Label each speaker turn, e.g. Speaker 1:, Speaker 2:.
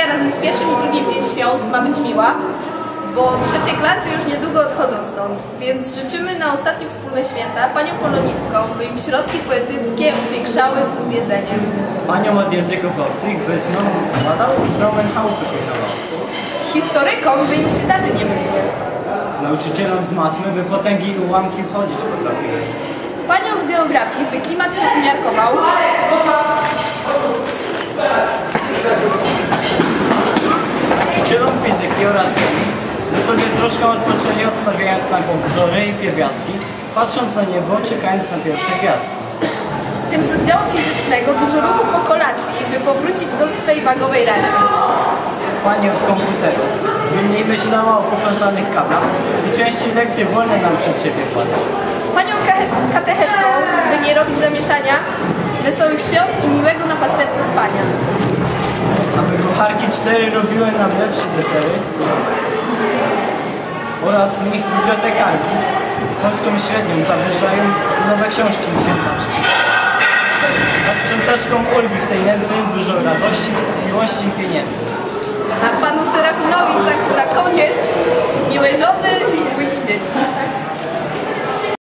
Speaker 1: razem z pierwszym i drugim dzień świąt ma być miła, bo trzecie klasy już niedługo odchodzą stąd, więc życzymy na ostatnie wspólne święta paniom polonistkom, by im środki poetyckie upiekszały stół z jedzeniem.
Speaker 2: Paniom od języków obcych, by znowu badał i znowu chałupy pilnował.
Speaker 1: Historykom, by im się daty nie myliły.
Speaker 2: Nauczycielom z matmy, by potęgi i ułamki chodzić potrafiły.
Speaker 1: Paniom z geografii, by klimat się umiarkował.
Speaker 2: Nauczycielom fizyki oraz chemii, by sobie troszkę odpoczęli, odstawiając na bok wzory i pierwiastki, patrząc na niebo, czekając na pierwsze gwiazdki.
Speaker 1: Tym z oddziału fizycznego dużo ruchu po kolacji, by powrócić do swej wagowej racji.
Speaker 2: Pani od komputerów, by mniej myślała o poplątanych kablach i częściej lekcje wolne nam przed siebie kładła.
Speaker 1: Panią katechetką, by nie robić zamieszania, wesołych świąt i miłego na pasterce spania.
Speaker 2: Aby kucharki 4 robiły nam lepsze desery oraz z nich bibliotekarki polską średnią zawyżają i nowe książki święta przeczytają. A sprzątaczkom Olgi w tej nędzy dużo radości, miłości i pieniędzy.
Speaker 1: A panu Serafinowi tak na koniec miłej żony i